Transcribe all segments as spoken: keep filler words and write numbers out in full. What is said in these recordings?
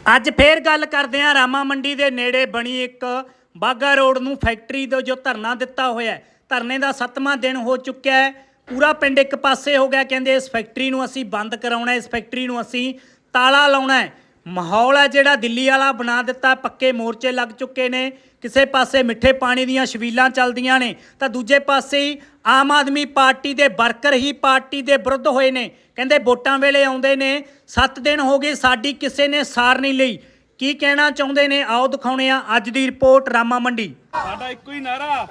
ਅੱਜ ਫੇਰ ਗੱਲ ਕਰਦੇ ਹਾਂ ਰਾਮਾ ਮੰਡੀ ਦੇ ਨੇੜੇ ਬਣੀ ਇੱਕ ਬਾਗਾ ਰੋਡ ਨੂੰ ਫੈਕਟਰੀ ਦਾ ਜੋ ਧਰਨਾ ਦਿੱਤਾ ਹੋਇਆ ਹੈ। ਧਰਨੇ ਦਾ ਸੱਤਵਾਂ ਦਿਨ ਹੋ ਚੁੱਕਿਆ ਹੈ। ਪੂਰਾ ਪਿੰਡ ਇੱਕ ਪਾਸੇ ਹੋ ਗਿਆ, ਕਹਿੰਦੇ ਇਸ ਫੈਕਟਰੀ ਨੂੰ ਅਸੀਂ ਬੰਦ ਕਰਾਉਣਾ, ਇਸ ਫੈਕਟਰੀ ਨੂੰ ਅਸੀਂ ਤਾਲਾ ਲਾਉਣਾ ਹੈ। ਮਾਹੌਲ ਹੈ ਜਿਹੜਾ ਦਿੱਲੀ ਵਾਲਾ ਬਣਾ ਦਿੱਤਾ। ਪੱਕੇ ਮੋਰਚੇ ਲੱਗ ਚੁੱਕੇ ਨੇ। ਕਿਸੇ ਪਾਸੇ ਮਿੱਠੇ ਪਾਣੀ ਦੀਆਂ ਛਬੀਲਾਂ ਚੱਲਦੀਆਂ ਨੇ ਤਾਂ ਦੂਜੇ ਪਾਸੇ ਹੀ ਆਮ ਆਦਮੀ ਪਾਰਟੀ ਦੇ ਵਰਕਰ ਹੀ ਪਾਰਟੀ ਦੇ ਵਿਰੁੱਧ ਹੋਏ ਨੇ। ਕਹਿੰਦੇ ਵੋਟਾਂ ਵੇਲੇ ਆਉਂਦੇ ਨੇ, ਸੱਤ ਦਿਨ ਹੋ ਗਏ ਸਾਡੀ ਕਿਸੇ ਨੇ ਸਾਰ ਨਹੀਂ ਲਈ। ਕੀ ਕਹਿਣਾ ਚਾਹੁੰਦੇ ਨੇ ਆਓ ਦਿਖਾਉਣੇ ਆ ਅੱਜ ਦੀ ਰਿਪੋਰਟ ਰਾਮਾ ਮੰਡੀ। ਸਾਡਾ ਇੱਕੋ ਹੀ ਨਾਰਾ,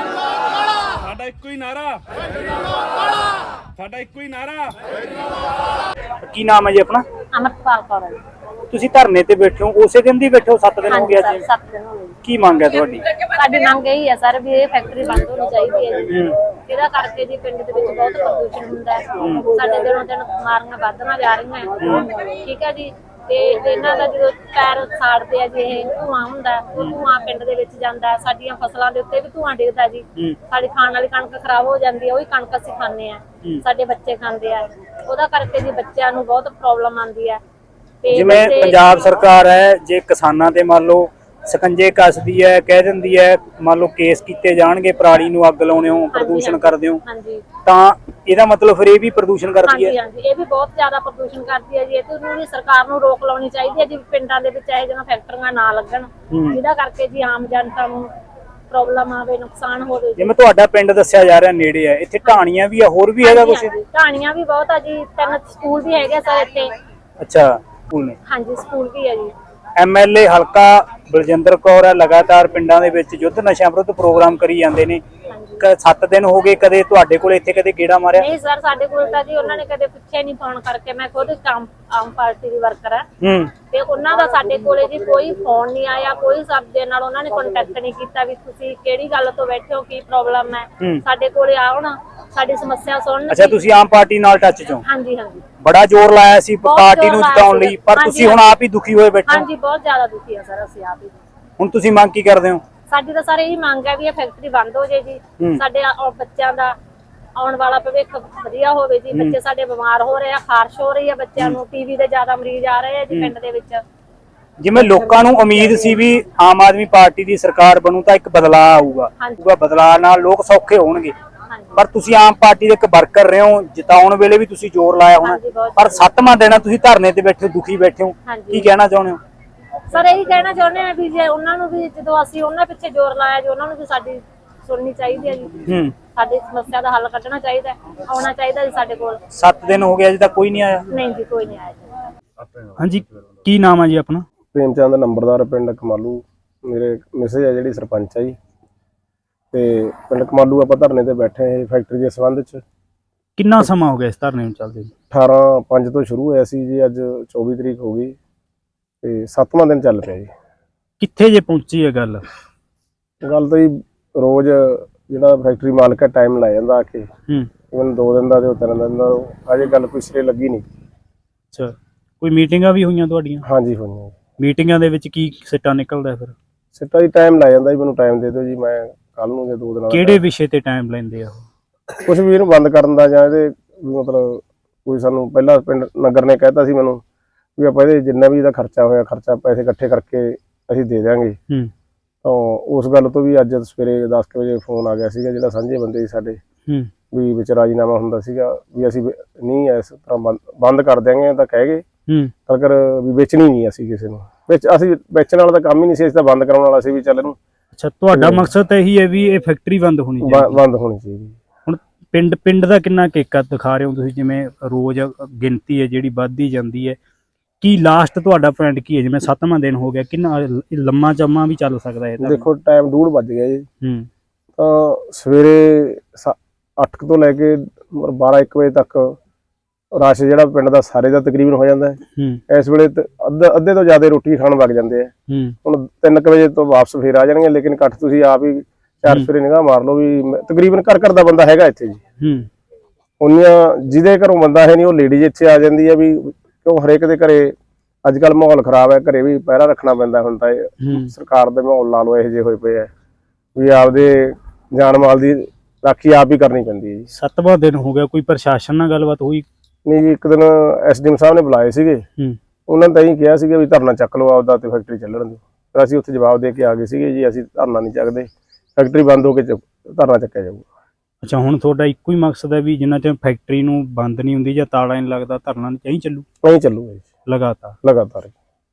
ਸਾਡਾ ਇੱਕੋ ਹੀ ਨਾਰਾ, ਸਾਡਾ ਇੱਕੋ ਹੀ ਨਾਰਾ। ਕੀ ਨਾਮ ਹੈ ਜੀ ਆਪਣਾ? ਅਮਰਪਾਲ ਕੌਰ। ਤੁਸੀਂ ਧਰਨੇ ਤੇ ਬੈਠੇ ਹੋ, ਉਸੇ ਦਿਨ ਦੀ ਬੈਠੇ ਹੋ? ਸੱਤ ਦਿਨ ਹੋ ਗਏ ਅੱਜ। ਸੱਤ ਦਿਨ ਹੋ ਗਏ। ਕੀ ਮੰਗ ਹੈ ਤੁਹਾਡੀ? ਸਾਡੀ ਮੰਗ ਇਹੀ ਹੈ ਸਰ ਵੀ ਇਹ ਫੈਕਟਰੀ ਬੰਦ ਹੋਣੀ ਚਾਹੀਦੀ ਹੈ ਜੀ। ਇਹਦਾ ਕਰਕੇ ਜੀ ਪਿੰਡ ਦੇ ਵਿੱਚ ਬਹੁਤ ਪ੍ਰਦੂਸ਼ਣ ਹੁੰਦਾ ਹੈ। ਸਾਡੇ ਦਿਨੋਂ ਦਿਨ ਬਿਮਾਰੀਆਂ ਵੱਧਦੀਆਂ ਜਾ ਰਹੀਆਂ। ਠੀਕ ਹੈ ਜੀ। ਤੇ ਇਹਨਾਂ ਦਾ ਜਦੋਂ ਪੈਰ ਸਾੜਦੇ ਆ ਜੀ, ਇਹ ਧੂਆਂ ਹੁੰਦਾ, ਉਹ ਧੂਆਂ ਪਿੰਡ ਦੇ ਵਿੱਚ ਜਾਂਦਾ। ਸਾਡੀਆਂ ਫਸਲਾਂ ਦੇ ਉੱਤੇ ਵੀ ਧੂਆਂ ਡਿੱਗਦਾ ਜੀ। ਸਾਡੀ ਖਾਣ ਵਾਲੀ ਕਣਕ ਖਰਾਬ ਹੋ ਜਾਂਦੀ ਹੈ, ਉਹੀ ਕਣਕ ਅਸੀਂ ਖਾਂਦੇ ਆ, ਸਾਡੇ ਬੱਚੇ ਖਾਂਦੇ ਆ। ਉਹਦਾ ਕਰਕੇ ਜੀ ਬੱਚਿਆਂ ਨੂੰ ਬਹੁਤ ਪ੍ਰੋਬਲਮ ਆਉਂਦੀ ਹੈ। ਜਿਵੇਂ ਪੰਜਾਬ ਸਰਕਾਰ ਹੈ, ਜੇ ਕਿਸਾਨਾਂ ਤੇ ਮੰਨ ਲਓ ਸਕੰਜੇ ਕੱਸਦੀ ਹੈ, ਕਹਿ ਦਿੰਦੀ ਹੈ ਮੰਨ ਲਓ ਕੇਸ ਕੀਤੇ ਜਾਣਗੇ, ਪਰਾਲੀ ਨੂੰ ਅੱਗ ਲਾਉਣੇ ਹੋ, ਪ੍ਰਦੂਸ਼ਣ ਕਰਦੇ ਹੋ, ਤਾਂ ਇਹਦਾ ਮਤਲਬ ਫਿਰ ਇਹ ਵੀ ਪ੍ਰਦੂਸ਼ਣ ਕਰਦੀ ਹੈ। ਹਾਂਜੀ, ਇਹ ਵੀ ਬਹੁਤ ਜ਼ਿਆਦਾ ਪ੍ਰਦੂਸ਼ਣ ਕਰਦੀ ਹੈ ਜੀ। ਇਹ ਨੂੰ ਵੀ ਸਰਕਾਰ ਨੂੰ ਰੋਕ ਲਾਉਣੀ ਚਾਹੀਦੀ ਹੈ ਜੀ। ਪਿੰਡਾਂ ਦੇ ਵਿੱਚ ਇਹ ਜਿਹੀਆਂ ਫੈਕਟਰੀਆਂ ਨਾ ਲੱਗਣ, ਜਿਹਦਾ ਕਰਕੇ ਜੀ ਆਮ ਜਨਤਾ ਨੂੰ ਪ੍ਰੋਬਲਮ ਆਵੇ, ਨੁਕਸਾਨ ਹੋਵੇ। ਜਿਵੇਂ ਤੁਹਾਡਾ ਪਿੰਡ ਦੱਸਿਆ ਜਾ ਰਿਹਾ ਨੇੜੇ ਹੈ, ਇੱਥੇ ਢਾਣੀਆਂ ਵੀ ਆ, ਹੋਰ ਵੀ ਹੈਗਾ ਕੁਝ? ਢਾਣੀਆਂ ਵੀ ਬਹੁਤ ਆ ਜੀ। ਤਿੰਨ ਸਕੂਲ ਵੀ ਹੈਗੇ ਸਰ ਇੱਥੇ। ਅੱਛਾ, ਸਕੂਲ ਨੇ? ਹਾਂਜੀ, ਸਕੂਲ ਵੀ ਹੈ ਜੀ। ਐਮਐਲਏ ਹਲਕਾ ਬਲਜਿੰਦਰ ਕੌਰ ਹੈ, ਲਗਾਤਾਰ ਪਿੰਡਾਂ ਦੇ ਵਿੱਚ ਯੁੱਧ ਨਸ਼ਿਆਂ ਵਿਰੁੱਧ ਪ੍ਰੋਗਰਾਮ ਕਰੀ ਜਾਂਦੇ ਨੇ। ਸੱਤ ਦਿਨ ਹੋ ਗਏ, ਕਦੇ ਤੁਹਾਡੇ ਕੋਲ ਇੱਥੇ ਕਦੇ ਗੇੜਾ ਮਾਰਿਆ? ਨਹੀਂ ਸਰ, ਸਾਡੇ ਕੋਲ ਤਾਂ ਜੀ ਉਹਨਾਂ ਨੇ ਕਦੇ ਪੁੱਛਿਆ ਨਹੀਂ ਫੋਨ ਕਰਕੇ। ਮੈਂ ਖੁਦ ਆਮ ਆਮ ਪਾਰਟੀ ਦੀ ਵਰਕਰ ਆ ਤੇ ਉਹਨਾਂ ਦਾ ਸਾਡੇ ਕੋਲੇ ਜੀ ਕੋਈ ਫੋਨ ਨਹੀਂ ਆਇਆ, ਕੋਈ ਸਬਦੇ ਨਾਲ ਉਹਨਾਂ ਨੇ ਕੰਟੈਕਟ ਨਹੀਂ ਕੀਤਾ ਵੀ ਤੁਸੀਂ ਕਿਹੜੀ ਗੱਲ ਤੋਂ ਬੈਠੇ ਹੋ, ਕੀ ਪ੍ਰੋਬਲਮ ਹੈ, ਸਾਡੇ ਕੋਲੇ ਆਉਣ, ਸਾਡੀ ਸਮੱਸਿਆ ਸੁਣਨ। ਅੱਛਾ, ਤੁਸੀਂ ਆਮ ਪਾਰਟੀ ਨਾਲ ਟੱਚ ਚੋਂ? ਹਾਂਜੀ ਹਾਂਜੀ। ਬੜਾ ਜ਼ੋਰ ਲਾਇਆ ਸੀ ਪਾਰਟੀ ਨੂੰ ਜਿਤਾਉਣ ਲਈ, ਪਰ ਤੁਸੀਂ ਹੁਣ ਆਪ ਹੀ ਦੁਖੀ ਹੋਏ ਬੈਠੇ? ਹਾਂਜੀ, ਬਹੁਤ ਜ਼ਿਆਦਾ ਦੁਖੀ ਆ ਸਰ ਅਸੀਂ ਆਪ ਹੀ। ਹੁਣ ਤੁਸੀਂ ਮੰਗ ਕੀ ਕਰਦੇ ਹੋ? ਸਾਡੀ ਤਾਂ ਸਾਰੇ ਇਹੀ ਮੰਗ ਹੈ ਵੀ ਇਹ ਫੈਕਟਰੀ ਬੰਦ ਹੋ ਜਾਏ ਜੀ। ਸਾਡੇ ਬੱਚਿਆਂ ਦਾ ਆਉਣ ਵਾਲਾ ਭਵਿੱਖ ਵਧੀਆ ਹੋਵੇ ਜੀ। ਬੱਚੇ ਸਾਡੇ ਬਿਮਾਰ ਹੋ ਰਹੇ ਆ, ਖਾਰਸ਼ ਹੋ ਰਹੀ ਹੈ ਬੱਚਿਆਂ ਨੂੰ, ਟੀਵੀ ਦੇ ਜ਼ਿਆਦਾ ਮਰੀਜ਼ ਆ ਰਹੇ ਆ ਜੀ ਪਿੰਡ ਦੇ ਵਿੱਚ। ਜਿਵੇਂ ਲੋਕਾਂ ਨੂੰ ਉਮੀਦ ਸੀ ਵੀ ਆਮ ਆਦਮੀ ਪਾਰਟੀ ਦੀ ਸਰਕਾਰ ਬਣੂ ਤਾਂ ਇੱਕ ਬਦਲਾਅ ਆਊਗਾ, ਬਦਲਾਅ ਨਾਲ ਲੋਕ ਸੌਖੇ ਹੋਣਗੇ, ਪਰ ਤੁਸੀਂ ਆਮ ਪਾਰਟੀ ਦੇ ਇੱਕ ਵਰਕਰ ਰਹੇ ਹੋ, ਜਿਤਾਉਣ ਵੇਲੇ ਵੀ ਤੁਸੀਂ ਜ਼ੋਰ ਲਾਇਆ ਹੋਣਾ, ਪਰ ਸੱਤਵਾਂ ਦਿਨ ਤੁਸੀਂ ਧਰਨੇ ਤੇ ਬੈਠੇ ਹੋ, ਦੁਖੀ ਬੈਠੇ ਹੋ, ਕੀ ਕਹਿਣਾ ਚਾਹੁੰਦੇ ਹੋ? ਸਰ ਇਹੀ ਕਹਿਣਾ ਚਾਹੁੰਦੇ ਆ ਵੀ ਜੇ ਉਹਨਾਂ ਨੂੰ ਵੀ, ਜਦੋਂ ਅਸੀਂ ਉਹਨਾਂ ਪਿੱਛੇ ਜ਼ੋਰ ਲਾਇਆ ਜੀ, ਉਹਨਾਂ ਨੂੰ ਵੀ ਸਾਡੀ ਸੁਣਨੀ ਚਾਹੀਦੀ ਹੈ ਜੀ। ਸਾਡੀ ਸਮੱਸਿਆ ਦਾ ਹੱਲ ਕੱਢਣਾ ਚਾਹੀਦਾ, ਆਉਣਾ ਚਾਹੀਦਾ ਜੀ ਸਾਡੇ ਕੋਲ। ਸੱਤ ਦਿਨ ਹੋ ਗਏ ਅਜੇ ਤੱਕ ਕੋਈ ਨਹੀਂ ਆਇਆ? ਨਹੀਂ ਜੀ, ਕੋਈ ਨਹੀਂ ਆਇਆ ਜੀ। ਹਾਂਜੀ, ਕੀ ਨਾਮ ਹੈ ਜੀ ਆਪਣਾ? ਪ੍ਰੇਮ ਚੰਦ, ਨੰਬਰਦਾਰ, ਪਿੰਡ ਕਮਾਲੂ। ਮੇਰੇ ਮਿਸੇਜ ਹੈ ਜਿਹੜੀ ਸਰਪੰਚ ਹੈ ਜੀ, ਤੇ ਪਿੰਡ ਕਮਾਲੂ ਆਪਾਂ ਧਰਨੇ ਤੇ ਬੈਠੇ ਹਾਂ ਫੈਕਟਰੀ ਦੇ ਸੰਬੰਧ ਚ। ਕਿੰਨਾ ਸਮਾਂ ਹੋ ਗਿਆ ਇਸ ਧਰਨੇ ਨੂੰ ਚੱਲਦੇ? ਅਠਾਰਾਂ ਪੰਜ ਤੋਂ ਸ਼ੁਰੂ ਹੋਇਆ ਸੀ ਜੀ, ਅੱਜ ਚੌਵੀ ਤਰੀਕ ਹੋ ਗਈ ਤੇ ਸੱਤਵਾਂ ਦਿਨ ਚੱਲ ਪਿਆ ਜੀ। ਕਿੱਥੇ ਜੇ ਪਹੁੰਚੀ ਹੈ ਗੱਲ? ਗੱਲ ਤਾਂ ਜੀ ਰੋਜ਼ ਜਿਹੜਾ ਫੈਕਟਰੀ ਮਾਲਕ ਹੈ ਟਾਈਮ ਲੈ ਜਾਂਦਾ ਆ ਕੇ, ਮੈਨੂੰ ਦੋ ਦਿਨ ਦਾ ਤੇ ਤਿੰਨ ਦਿਨ ਦਾ, ਅਜੇ ਗੱਲ ਕੋਈ ਸਿਰੇ ਲੱਗੀ ਨਹੀਂ। ਅੱਛਾ, ਕੋਈ ਮੀਟਿੰਗਾਂ ਵੀ ਹੋਈਆਂ ਤੁਹਾਡੀਆਂ? ਹਾਂਜੀ ਹੋਈਆਂ। ਮੀਟਿੰਗਾਂ ਦੇ ਵਿੱਚ ਕੀ ਸਿੱਟਾ ਨਿਕਲਦਾ? ਫਿਰ ਸਿੱਟਾ ਜੀ ਟਾਈਮ ਲੈ ਜਾਂਦਾ ਜੀ, ਮੈਨੂੰ ਟਾਈਮ ਦੇ ਦਿਓ ਜੀ, ਮੈਂ ਕੱਲ ਨੂੰ ਜਾਂ ਦੋ ਦਿਨਾਂ। ਕਿਹੜੇ ਵਿਸ਼ੇ ਤੇ ਟਾਈਮ ਲੈਂਦੇ ਆ? ਕੁਛ ਵੀ ਇਹਨੂੰ ਬੰਦ ਕਰਨ ਦਾ, ਜਾਂ ਇਹਦੇ ਮਤਲਬ ਕੋਈ ਸਾਨੂੰ ਪਹਿਲਾਂ ਪਿੰਡ ਨਗਰ ਨੇ ਕਹਿਤਾ ਸੀ ਮੈਨੂੰ ਵੀ ਆਪਾਂ ਇਹਦੇ ਜਿੰਨਾ ਵੀ ਇਹਦਾ ਖਰਚਾ ਹੋਇਆ, ਖਰਚਾ ਪੈਸੇ ਇਕੱਠੇ ਕਰਕੇ ਅਸੀਂ ਦੇ ਦਿਆਂਗੇ। ਤਾਂ ਉਸ ਗੱਲ ਤੋਂ ਵੀ ਅੱਜ ਸਵੇਰੇ ਦਸ ਕੁ ਵਜੇ ਫੋਨ ਆ ਗਿਆ ਸੀਗਾ, ਜਿਹੜਾ ਸਾਂਝੇ ਬੰਦੇ ਸੀ ਸਾਡੇ, ਵੀ ਵਿੱਚ ਰਾਜੀਨਾਮਾ ਹੁੰਦਾ ਸੀਗਾ ਵੀ ਅਸੀਂ ਨਹੀਂ ਇਸ ਤਰ੍ਹਾਂ ਬੰਦ ਕਰ ਦਿਆਂਗੇ, ਤਾਂ ਕਹਿ ਗਏ ਕਰ ਵੀ ਵੇਚਣੀ ਨਹੀਂ ਅਸੀਂ ਕਿਸੇ ਨੂੰ। ਵਿੱਚ ਅਸੀਂ ਵੇਚਣ ਵਾਲਾ ਤਾਂ ਕੰਮ ਹੀ ਨਹੀਂ ਸੀ, ਅਸੀਂ ਤਾਂ ਬੰਦ ਕਰਾਉਣ ਵਾਲਾ ਸੀ ਵੀ ਚੱਲ ਇਹਨੂੰ। ਅੱਛਾ, ਤੁਹਾਡਾ ਮਕਸਦ ਤਾਂ ਇਹੀ ਹੈ ਵੀ ਇਹ ਫੈਕਟਰੀ ਬੰਦ ਹੋਣੀ ਚਾਹੀਦੀ? ਬੰਦ ਹੋਣੀ ਚਾਹੀਦੀ। ਹੁਣ ਪਿੰਡ ਪਿੰਡ ਦਾ ਕਿੰਨਾ ਕੇਕਾ ਦਿਖਾ ਰਹੇ ਹੋ ਤੁਸੀਂ? ਜਿਵੇਂ ਰੋਜ਼ ਗਿਣਤੀ ਹੈ ਜਿਹੜੀ ਵੱਧਦੀ ਜਾਂਦੀ ਹੈ, ਕੀ ਲਾਸਟ ਤੁਹਾਡਾ ਪੁਆਇੰਟ ਕੀ ਹੈ? ਜਿਵੇਂ ਸੱਤਵਾਂ ਦਿਨ ਹੋ ਗਿਆ, ਕਿੰਨਾ ਲੰਮਾ ਚੰਮਾ ਵੀ ਚੱਲ ਸਕਦਾ ਹੈ? ਦੇਖੋ ਟਾਈਮ ਡੂਢ ਵੱਜ ਗਿਆ ਜੀ, ਤਾਂ ਸਵੇਰੇ ਅੱਠ ਤੋਂ ਲੈ ਕੇ ਬਾਰਾਂ ਇੱਕ ਵਜੇ ਤੱਕ ਰਸ਼ ਜਿਹੜਾ ਪਿੰਡ ਦਾ ਸਾਰੇ ਦਾ ਤਕਰੀਬਨ ਹੋ ਜਾਂਦਾ ਹੈ। ਇਸ ਵੇਲੇ ਅੱਧੇ ਤੋਂ ਜ਼ਿਆਦਾ ਰੋਟੀ ਖਾਣ ਲੱਗ ਜਾਂਦੇ ਆ। ਹੁਣ ਤਿੰਨ ਕੁ ਵਜੇ ਤੋਂ ਵਾਪਸ ਫੇਰ ਆ ਜਾਣਗੇ, ਲੇਕਿਨ ਇਕੱਠ ਤੁਸੀਂ ਆਪ ਹੀ ਚਾਰ ਸਵੇਰੇ ਨਿਗਾਹ ਮਾਰ ਲਓ ਵੀ ਤਕਰੀਬਨ ਘਰ ਘਰ ਦਾ ਬੰਦਾ ਹੈਗਾ ਇੱਥੇ ਜੀ। ਉਹਨੀਆਂ ਜਿਹਦੇ ਘਰੋਂ ਬੰਦਾ ਹੈ ਨਹੀਂ, ਉਹ ਲੇਡੀਜ਼ ਇੱਥੇ ਆ ਜਾਂਦੀ ਹੈ ਵੀ ਕਿਉਂ ਹਰੇਕ ਦੇ ਘਰੇ ਅੱਜ ਕੱਲ੍ਹ ਮਾਹੌਲ ਖਰਾਬ ਹੈ, ਘਰੇ ਵੀ ਪਹਿਰਾ ਰੱਖਣਾ ਪੈਂਦਾ। ਹੁਣ ਤਾਂ ਸਰਕਾਰ ਦੇ ਮਾਹੌਲ ਲਾ ਲਓ ਇਹੋ ਜਿਹੇ ਹੋਏ ਪਏ ਆ ਵੀ ਆਪਦੇ ਜਾਨ ਮਾਲ ਦੀ ਰਾਖੀ ਆਪ ਹੀ ਕਰਨੀ ਪੈਂਦੀ ਹੈ ਜੀ। ਸੱਤਵਾਂ ਦਿਨ ਹੋ ਗਿਆ, ਕੋਈ ਪ੍ਰਸ਼ਾਸਨ ਨਾਲ ਗੱਲਬਾਤ ਹੋਈ? ਨਹੀਂ ਜੀ, ਇੱਕ ਦਿਨ ਐਸਡੀਐਮ ਸਾਹਿਬ ਨੇ ਬੁਲਾਏ ਸੀਗੇ, ਉਹਨਾਂ ਨੇ ਤਾਂ ਇਹੀ ਕਿਹਾ ਸੀਗਾ ਵੀ ਧਰਨਾ ਚੱਕ ਲਓ ਆਪਦਾ ਤੇ ਫੈਕਟਰੀ ਚੱਲਣ ਦਿਓ। ਫਿਰ ਅਸੀਂ ਉੱਥੇ ਜਵਾਬ ਦੇ ਕੇ ਆ ਗਏ ਸੀਗੇ ਜੀ ਅਸੀਂ ਧਰਨਾ ਨਹੀਂ ਚੱਕਦੇ, ਫੈਕਟਰੀ ਬੰਦ ਹੋ ਕੇ ਚ- ਧਰਨਾ ਚੱਕਿਆ ਜਾਊਗਾ। ਅੱਛਾ, ਹੁਣ ਤੁਹਾਡਾ ਇੱਕੋ ਹੀ ਮਕਸਦ ਹੈ ਵੀ ਜਿੰਨਾ ਚਿਰ ਫੈਕਟਰੀ ਨੂੰ ਬੰਦ ਨਹੀਂ ਹੁੰਦੀ ਜਾਂ ਤਾਲਾ ਨਹੀਂ ਲੱਗਦਾ ਧਰਨਾ ਨਹੀਂ ਚੱਲੂ ਨਹੀਂ ਚੱਲੂਗਾ ਜੀ ਲਗਾਤਾਰ ਲਗਾਤਾਰ।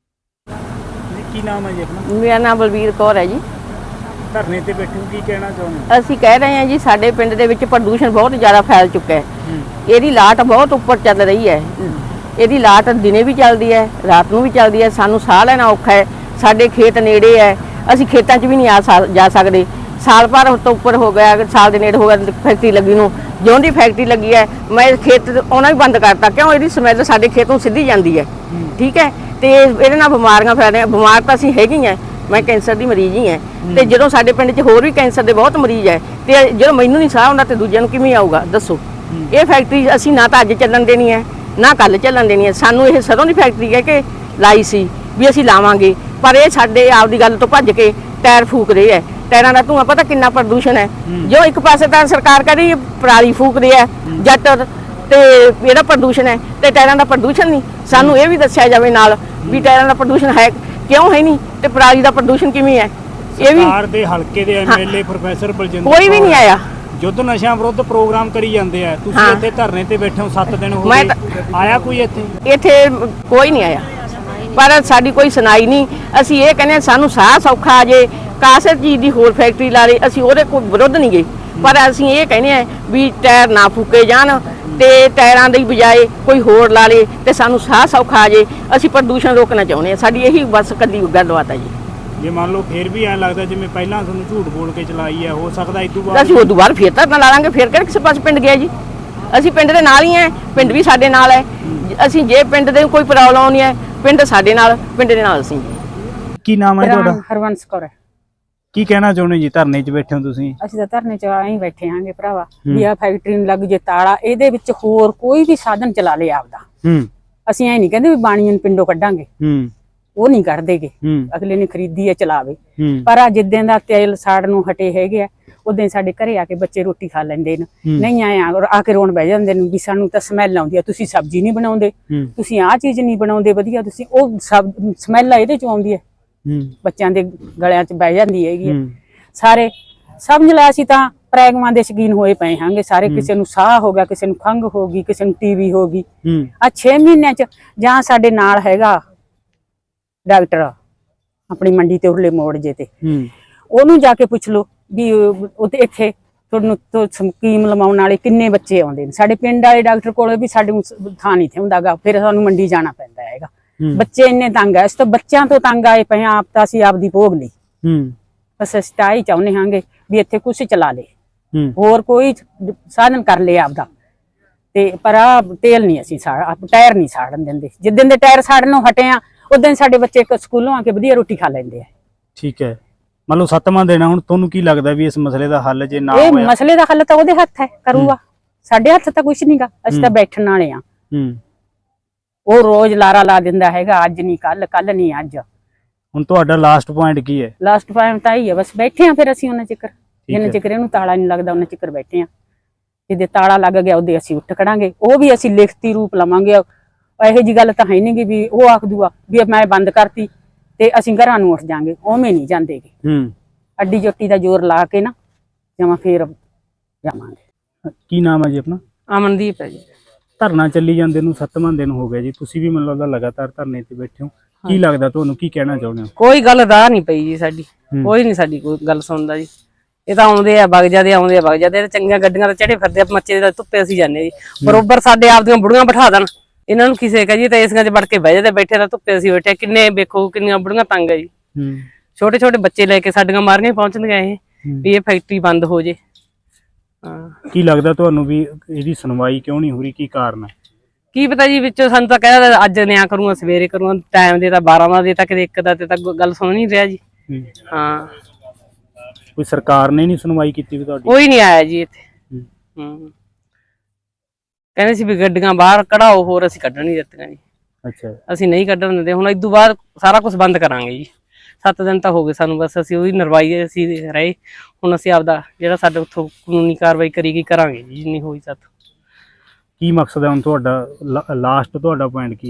ਕੀ ਨਾਮ ਹੈ ਜੀ ਆਪਣਾ? ਮੇਰਾ ਨਾਮ ਬਲਵੀਰ ਕੌਰ ਹੈ ਜੀ। ਧਰਨੇ ਤੇ ਬੈਠੇ ਹੋ, ਕੀ ਕਹਿਣਾ ਚਾਹੁੰਦੇ ਅਸੀਂ ਕਹਿ ਰਹੇ ਹਾਂ ਜੀ ਸਾਡੇ ਪਿੰਡ ਦੇ ਵਿੱਚ ਪ੍ਰਦੂਸ਼ਣ ਬਹੁਤ ਜ਼ਿਆਦਾ ਫੈਲ ਚੁੱਕਾ ਹੈ। ਇਹਦੀ ਲਾਟ ਬਹੁਤ ਉੱਪਰ ਚੱਲ ਰਹੀ ਹੈ। ਇਹਦੀ ਲਾਟ ਦਿਨੇ ਵੀ ਚੱਲਦੀ ਹੈ, ਰਾਤ ਨੂੰ ਵੀ ਚੱਲਦੀ ਹੈ। ਸਾਨੂੰ ਸਾਹ ਲੈਣਾ ਔਖਾ ਹੈ। ਸਾਡੇ ਖੇਤ ਨੇੜੇ ਹੈ, ਅਸੀਂ ਖੇਤਾਂ 'ਚ ਵੀ ਨਹੀਂ ਆ ਸਕ- ਜਾ ਸਕਦੇ। ਸਾਲ ਭਰ ਤੋਂ ਉੱਪਰ ਹੋ ਗਿਆ, ਸਾਲ ਦੇ ਨੇੜੇ ਹੋ ਗਿਆ ਫੈਕਟਰੀ ਲੱਗੀ ਨੂੰ। ਜਿਉਂ ਦੀ ਫੈਕਟਰੀ ਲੱਗੀ ਹੈ ਮੈਂ ਖੇਤ ਆਉਣਾ ਵੀ ਬੰਦ ਕਰਤਾ, ਕਿਉਂ ਇਹਦੀ ਸਮੈਲ ਸਾਡੇ ਖੇਤ ਨੂੰ ਸਿੱਧੀ ਜਾਂਦੀ ਹੈ। ਠੀਕ ਹੈ, ਤੇ ਇਹਦੇ ਨਾਲ ਬਿਮਾਰੀਆਂ ਫੈਲ ਰਹੀਆਂ। ਬਿਮਾਰ ਤਾਂ ਅਸੀਂ ਹੈਗੇ ਹੀ ਹਾਂ, ਮੈਂ ਕੈਂਸਰ ਦੀ ਮਰੀਜ਼ ਹੀ ਹਾਂ। ਤੇ ਜਦੋਂ ਸਾਡੇ ਪਿੰਡ 'ਚ ਹੋਰ ਵੀ ਕੈਂਸਰ ਦੇ ਬਹੁਤ ਮਰੀਜ਼ ਹੈ, ਤੇ ਜਦੋਂ ਮੈਨੂੰ ਨਹੀਂ ਸਾਹ ਆਉਂਦਾ ਤੇ ਦੂਜਿਆਂ ਨੂੰ ਕਿਵੇਂ ਆਊਗਾ ਦੱਸੋ। ਇਹ ਫੈਕਟਰੀ ਅਸੀਂ ਨਾ ਤਾਂ ਅੱਜ ਚੱਲਣ ਦੇਣੀ ਹੈ ਨਾ ਕੱਲ ਚੱਲਣ ਦੇਣੀ ਹੈ। ਸਾਨੂੰ ਇਹ ਸਰੋਂ ਦੀ ਫੈਕਟਰੀ ਹੈ ਕਿ ਲਾਈ ਸੀ ਵੀ ਅਸੀਂ ਲਾਵਾਂਗੇ, ਪਰ ਇਹ ਸਾਡੇ ਆਪਦੀ ਗੱਲ ਤੋਂ ਭੱਜ ਕੇ ਟਾਇਰ ਫੂਕ ਰਹੇ ਹੈ। ਟਾਇਰਾਂ ਦਾ ਧੂੰਆਂ ਪਤਾ ਕਿੰਨਾ ਪ੍ਰਦੂਸ਼ਣ ਹੈ। ਜੋ ਇੱਕ ਪਾਸੇ ਤਾਂ ਸਰਕਾਰ ਕਹਿੰਦੀ ਪਰਾਲੀ ਫੂਕ ਰਹੀ ਹੈ ਜੱਟ, ਤੇ ਇਹਦਾ ਪ੍ਰਦੂਸ਼ਣ ਹੈ ਤੇ ਟਾਇਰਾਂ ਦਾ ਪ੍ਰਦੂਸ਼ਣ ਨਹੀਂ। ਸਾਨੂੰ ਇਹ ਵੀ ਦੱਸਿਆ ਜਾਵੇ ਨਾਲ ਵੀ ਟਾਇਰਾਂ ਦਾ ਪ੍ਰਦੂਸ਼ਣ ਹੈ ਕਿਉਂ ਹੈ ਨਹੀਂ, ਤੇ ਪਰਾਲੀ ਦਾ ਪ੍ਰਦੂਸ਼ਣ ਕਿਵੇਂ ਹੈ। ਇਹ ਵੀ ਸਰਕਾਰ ਦੇ ਹਲਕੇ ਦੇ ਐਮਐਲਏ ਪ੍ਰੋਫੈਸਰ ਬਲਜਿੰਦਰ ਕੋਈ ਵੀ ਨਹੀਂ ਆਇਆ। ਯੁੱਧ ਨਸ਼ਿਆਂ ਵਿਰੁੱਧ ਪ੍ਰੋਗਰਾਮ ਕਰੀ ਜਾਂਦੇ ਆ, ਤੁਸੀਂ ਹਾਂ। ਇੱਥੇ ਧਰਨੇ ਤੇ ਬੈਠੇ ਹੋ ਸੱਤ ਦਿਨ ਹੋ ਮੈਂ ਗਏ, ਆਇਆ ਕੋਈ ਇੱਥੇ? ਇੱਥੇ ਕੋਈ ਨਹੀਂ ਆਇਆ, ਪਰ ਸਾਡੀ ਕੋਈ ਸੁਣਾਈ ਨਹੀਂ। ਅਸੀਂ ਇਹ ਕਹਿੰਦੇ ਹਾਂ ਸਾਨੂੰ ਸਾਹ ਸੌਖਾ ਆ ਜੇ, ਕਾਸੇ ਚੀਜ਼ ਦੀ ਹੋਰ ਫੈਕਟਰੀ ਲਾ ਲਈ, ਅਸੀਂ ਉਹਦੇ ਕੋਈ ਵਿਰੁੱਧ ਨਹੀਂ ਗਏ, ਪਰ ਅਸੀਂ ਇਹ ਕਹਿੰਦੇ ਹਾਂ ਵੀ ਟਾਇਰ ਨਾ ਫੂਕੇ ਜਾਣ ਤੇ ਟਾਇਰਾਂ ਦੀ ਬਜਾਏ ਕੋਈ ਹੋਰ ਲਾ ਲੇ ਤੇ ਸਾਨੂੰ ਸਾਹ ਸੌਖਾ ਆ ਜੇ। ਅਸੀਂ ਪ੍ਰਦੂਸ਼ਣ ਰੋਕਣਾ ਚਾਹੁੰਦੇ ਹਾਂ, ਸਾਡੀ ਇਹੀ ਬਸ ਕੱਲੀ ਗੱਲਬਾਤ ਹੈ ਜੀ। ਜੇ ਮੰਨ ਲਓ ਫੇਰ ਵੀ ਐਂ ਲੱਗਦਾ ਜਿਵੇਂ ਪਹਿਲਾਂ ਤੁਹਾਨੂੰ ਝੂਠ ਬੋਲ ਕੇ ਚਲਾਈ ਹੈ, ਹੋ ਸਕਦਾ ਇਸ ਤੋਂ ਬਾਅਦ ਅਸੀਂ ਉਦੋਂ ਬਾਅਦ ਫੇਰ ਧਰਨਾ ਲਾ ਲਾਂਗੇ। ਫੇਰ ਕਿਹੜੇ ਕਿਸੇ ਪਾਸੇ ਪਿੰਡ ਗਿਆ ਜੀ, ਅਸੀਂ ਪਿੰਡ ਦੇ ਨਾਲ ਹੀ ਹੈ, ਪਿੰਡ ਵੀ ਸਾਡੇ ਨਾਲ ਹੈ। ਅਸੀਂ ਜੇ ਪਿੰਡ ਦੇ ਕੋਈ ਪ੍ਰੋਬਲਮ ਆਉਣੀ ਹੈ, ਪਿੰਡ ਸਾਡੇ ਨਾਲ, ਪਿੰਡ ਦੇ ਨਾਲ ਅਸੀਂ। ਕੀ ਨਾਮ ਹੈ ਤੁਹਾਡਾ? ਹਰਵੰਸ ਕੌਰ ਹੈ। ਕੀ ਕਹਿਣਾ ਚਾਹੁੰਦੇ ਜੀ? ਧਰਨੇ 'ਚ ਬੈਠੇ ਹੋ ਤੁਸੀਂ? ਅਸੀਂ ਤਾਂ ਧਰਨੇ ਚ ਆਏ ਬੈਠੇ ਆਂਗੇ ਭਰਾਵਾ ਵੀ ਆ ਫੈਕਟਰੀ ਨੂੰ ਲੱਗ ਜੇ ਤਾਲਾ, ਇਹਦੇ ਵਿੱਚ ਹੋਰ ਕੋਈ ਵੀ ਸਾਧਨ ਚਲਾ ਲੇ ਆਪਦਾ। ਹੂੰ ਅਸੀਂ ਐ ਨਹੀਂ ਕਹਿੰਦੇ ਵੀ ਬਾਣੀਆਂ ਨੂੰ ਪਿੰਡੋਂ ਕੱਢਾਂਗੇ, ਹੂੰ ਉਹ ਨਹੀਂ ਕੱਢਦੇਗੇ। ਹੂੰ ਅਗਲੇ ਨੇ ਖਰੀਦੀ ਹੈ ਚਲਾਵੇ, ਹੂੰ ਪਰ ਆ ਜਿੱਦਾਂ ਦਾ ਤੇਲ ਸਾੜ ਨੂੰ ਹਟੇ ਹੈਗੇ ਆ ਉਦਾਂ ਹੀ ਸਾਡੇ ਘਰੇ ਆ ਕੇ ਬੱਚੇ ਰੋਟੀ ਖਾ ਲੈਂਦੇ ਨੇ। ਨਹੀਂ ਆਏ ਆ ਆ ਕੇ ਰੋਣ ਬਹਿ ਜਾਂਦੇ ਨੇ ਵੀ ਸਾਨੂੰ ਤਾਂ ਸਮੈਲ ਆਉਂਦੀ ਆ, ਤੁਸੀਂ ਸਬਜ਼ੀ ਨਹੀਂ ਬਣਾਉਂਦੇ, ਤੁਸੀਂ ਆਹ ਚੀਜ਼ ਨਹੀਂ ਬਣਾਉਂਦੇ ਵਧੀਆ, ਤੁਸੀਂ ਉਹ ਸਬ ਸਮੈਲ ਇਹਦੇ ਚ ਆਉਂਦੀ ਹੈ। ਬੱਚਿਆਂ ਦੇ ਗਲਿਆਂ ਚ ਬਹਿ ਜਾਂਦੀ ਹੈਗੀ। ਸਾਰੇ ਸਮਝ ਲਿਆ ਅਸੀਂ ਤਾਂ ਪ੍ਰੈਗਮਾਂ ਦੇ ਸ਼ਕੀਨ ਹੋਏ ਪਏ ਹਾਂਗੇ ਸਾਰੇ। ਕਿਸੇ ਨੂੰ ਸਾਹ ਹੋ ਗਿਆ, ਕਿਸੇ ਨੂੰ ਖੰਘ ਹੋ ਗਈ, ਕਿਸੇ ਨੂੰ ਟੀਵੀ ਹੋ ਗਈ। ਆ ਛੇ ਮਹੀਨਿਆਂ ਚ ਜਾਂ ਸਾਡੇ ਨਾਲ ਹੈਗਾ ਡਾਕਟਰ ਆਪਣੀ ਮੰਡੀ ਤੇ ਉਰਲੇ ਮੋੜ ਜੇ ਤੇ, ਉਹਨੂੰ ਜਾ ਕੇ ਪੁੱਛ ਲਓ ਵੀ ਉਹ ਤੇ ਇੱਥੇ ਤੁਹਾਨੂੰ ਤੋਂ ਸਕੀਮ ਲਵਾਉਣ ਵਾਲੇ ਕਿੰਨੇ ਬੱਚੇ ਆਉਂਦੇ ਨੇ। ਸਾਡੇ ਪਿੰਡ ਵਾਲੇ ਡਾਕਟਰ ਕੋਲ ਵੀ ਸਾਡੇ ਥਾਂ ਨਹੀਂ ਥੇ ਹੁੰਦਾਗਾ, ਫਿਰ ਸਾਨੂੰ ਮੰਡੀ ਜਾਣਾ ਪੈਂਦਾ ਹੈਗਾ। ਬੱਚੇ ਇੰਨੇ ਤੰਗ ਆ, ਇਸ ਤੋਂ ਬੱਚਿਆਂ ਤੋਂ ਤੰਗ ਆਏ ਪਏ ਆਪ ਤਾਂ ਅਸੀਂ ਆਪਦੀ ਭੋਗ ਲਈ। ਬਸ ਅਸੀਂ ਤਾਂ ਹੀ ਚਾਹੁੰਦੇ ਹਾਂਗੇ ਵੀ ਇੱਥੇ ਕੁਛ ਚਲਾ ਲੇ, ਹੋਰ ਕੋਈ ਸਾਧਨ ਕਰ ਲੇ ਆਪਦਾ, ਤੇ ਪਰ ਆ ਤੇਲ ਨਹੀਂ ਅਸੀਂ ਸਾੜ ਟਾਇਰ ਨਹੀਂ ਸਾੜਨ ਦਿੰਦੇ। ਜਿੱਦਣ ਦੇ ਟਾਇਰ ਸਾੜਨੋਂ ਹਟੇ ਆ ਉਦੋਂ ਸਾਡੇ ਬੱਚੇ ਸਕੂਲੋਂ ਆ ਕੇ ਵਧੀਆ ਰੋਟੀ ਖਾ ਲੈਂਦੇ ਆ। ਠੀਕ ਹੈ, ਮੰਨ ਲਓ ਸੱਤਵਾਂ ਦਿਨ ਹੁਣ, ਤੁਹਾਨੂੰ ਕੀ ਲੱਗਦਾ ਵੀ ਇਸ ਮਸਲੇ ਦਾ ਹੱਲ ਜੇ ਨਾ ਇਹ ਹੋਇਆ? ਮਸਲੇ ਦਾ ਹੱਲ ਤਾਂ ਉਹਦੇ ਹੱਥ ਹੈ, ਕਰੂਗਾ। ਸਾਡੇ ਹੱਥ ਤਾਂ ਕੁਛ ਨਹੀਂਗਾ, ਅਸੀਂ ਤਾਂ ਬੈਠਣ ਵਾਲੇ ਆ। ਉਹ ਰੋਜ਼ ਲਾਰਾ ਲਾ ਦਿੰਦਾ ਹੈਗਾ, ਅੱਜ ਨਹੀਂ ਕੱਲ, ਕੱਲ ਨਹੀਂ ਅੱਜ। ਹੁਣ ਤੁਹਾਡਾ ਲਾਸਟ ਪੁਆਇੰਟ ਕੀ ਹੈ? ਲਾਸਟ ਪੁਆਇੰਟ ਤਾਂ ਹੀ ਹੈ, ਬਸ ਬੈਠੇ ਆ ਫਿਰ ਅਸੀਂ ਉਹਨਾਂ ਚਿਕਰ, ਜਿੰਨੇ ਚਿਕਰ ਇਹਨੂੰ ਤਾਲਾ ਨਹੀਂ ਲੱਗਦਾ ਉਹਨਾਂ ਚਿਕਰ ਬੈਠੇ ਆ। ਜਿਹਦੇ ਤਾਲਾ ਲੱਗ ਗਿਆ ਉਹਦੇ ਅਸੀਂ ਉੱਠ ਖੜਾਂਗੇ, ਉਹ ਵੀ ਅਸੀਂ ਲਿਖਤੀ ਰੂਪ ਲਵਾਂਗੇ। ਇਹੋ ਜੀ ਗੱਲ ਤਾਂ ਹੈ ਨਹੀਂ ਵੀ ਉਹ ਆਖ ਦੂਗਾ ਵੀ ਮੈਂ ਬੰਦ ਕਰਤੀ ਤੇ ਅਸੀਂ ਘਰਾਂ ਨੂੰ ਉੱਠ ਜਾਾਂਗੇ, ਉਵੇਂ ਨਹੀਂ ਜਾਂਦੇਗੇ। ਹੂੰ ਅੱਡੀ ਜੋਟੀ ਦਾ ਜ਼ੋਰ ਲਾ ਕੇ ਨਾ ਜਮਾਂ ਫੇਰ ਜਾਵਾਂਗੇ। ਕੀ ਨਾਮ ਹੈ ਜੀ ਆਪਣਾ? ਅਮਨਦੀਪ ਹੈ ਜੀ। ਧਰਨਾ ਚੱਲੀ ਜਾਂਦੇ ਨੂੰ ਸੱਤਵਾਂ ਦਿਨ ਹੋ ਗਿਆ ਜੀ, ਤੁਸੀਂ ਵੀ ਮੈਨੂੰ ਲੱਗਦਾ ਲਗਾਤਾਰ ਧਰਨੇ ਤੇ ਬੈਠੇ ਹੋ। ਕੀ ਲੱਗਦਾ ਤੁਹਾਨੂੰ, ਕੀ ਕਹਿਣਾ ਚਾਹੁੰਦੇ ਹੋ? ਕੋਈ ਗੱਲ ਰਾਹ ਨਹੀਂ ਪਈ ਜੀ ਸਾਡੀ, ਕੋਈ ਨਹੀਂ ਸਾਡੀ ਕੋਈ ਗੱਲ ਸੁਣਦਾ ਜੀ। ਇਹ ਤਾਂ ਆਉਂਦੇ ਆ ਵਗ ਜਾਂਦੇ, ਆਉਂਦੇ ਆ ਵਗ ਜਾਂਦੇ, ਚੰਗੀਆਂ ਗੱਡੀਆਂ ਤੇ ਚੜੇ ਫਿਰਦੇ ਆ, ਮੱਚੇ ਦੇ ਧੁੱਪੇ ਅਸੀਂ ਜਾਂਦੇ ਜੀ। ਬਰੋਬਰ ਸਾਡੇ ਆਪਦੀਆਂ ਬੁੜੀਆਂ ਬਿਠਾ ਦੇਣ, ਇਹਨਾਂ ਨੂੰ ਕਿਸੇ ਕਹੀਏ ਤਾਂ ਏਸੀਆਂ 'ਚ ਵੜ ਕੇ ਬਹਿ ਜਾਂਦੇ, ਬੈਠੇ ਤਾਂ ਧੁੱਪੇ ਅਸੀਂ ਬੈਠੇ। ਕਿੰਨੇ ਵੇਖੋ ਕਿੰਨੀਆਂ ਬੁੜੀਆਂ ਤੰਗ ਆ ਜੀ, ਛੋਟੇ ਛੋਟੇ ਬੱਚੇ ਲੈ ਕੇ ਸਾਡੀਆਂ ਮਾਰੀਆਂ ਪਹੁੰਚਦੀਆਂ ਇਹ ਵੀ ਇਹ ਫੈਕਟਰੀ ਬੰਦ ਹੋ ਜੇ। ਹਾਂ, ਕੀ ਲੱਗਦਾ ਤੁਹਾਨੂੰ ਵੀ ਇਹਦੀ ਸੁਣਵਾਈ ਕਿਉਂ ਨਹੀਂ ਹੋ ਰਹੀ, ਕੀ ਕਾਰਨ ਹੈ? ਕੀ ਪਤਾ ਜੀ, ਵਿੱਚੋਂ ਸਾਨੂੰ ਤਾਂ ਕਹਿੰਦਾ ਅੱਜ ਨਿਆਂ ਕਰੂੰਗਾ, ਸਵੇਰੇ ਕਰੂੰਗਾ, ਟਾਈਮ ਦੇ ਤਾਂ ਬਾਰਾਂ ਦਾ ਦੇ ਤਾਂ ਕਿਤੇ ਇੱਕ ਦਾ ਤੇ ਤਾਂ ਗੱਲ ਸੁਣ ਨਹੀਂ ਰਿਹਾ ਜੀ। ਹਾਂ, ਕੋਈ ਸਰਕਾਰ ਨੇ ਨਹੀਂ ਸੁਣਵਾਈ ਕੀਤੀ ਵੀ ਤੁਹਾਡੀ? ਕੋਈ ਨਹੀਂ ਆਇਆ ਜੀ ਇੱਥੇ। ਹੂੰ, ਕਹਿੰਦੇ ਸੀ ਵੀ ਗੱਡੀਆਂ ਬਾਹਰ ਕਢਾਓ, ਹੋਰ ਅਸੀਂ ਕੱਢਣ ਨਹੀਂ ਦਿੱਤੀਆਂ ਜੀ। ਅੱਛਾ, ਅਸੀਂ ਨਹੀਂ ਕੱਢਣ ਦਿੰਦੇ। ਹੁਣ ਇਦੋਂ ਬਾਅਦ ਸਾਰਾ ਕੁਝ ਬੰਦ ਕਰਾਂਗੇ ਜੀ। ਸੱਤ ਦਿਨ ਤਾਂ ਹੋ ਗਏ ਸਾਨੂੰ, ਬਸ ਅਸੀਂ ਉਹਦੀ ਨਰਵਾਈ ਅਸੀਂ ਰਹੇ। ਹੁਣ ਅਸੀਂ ਆਪਦਾ ਜਿਹੜਾ ਸਾਡੇ ਉੱਥੋਂ ਕਾਨੂੰਨੀ ਕਾਰਵਾਈ ਕਰੀ ਗਈ ਕਰਾਂਗੇ ਜੀ, ਜਿੰਨੀ ਹੋਈ ਸਾਥੋਂ। ਕੀ ਮਕਸਦ ਹੈ ਹੁਣ ਤੁਹਾਡਾ, ਲਾਸਟ ਤੁਹਾਡਾ ਪੁਆਇੰਟ ਕੀ ਹੈ?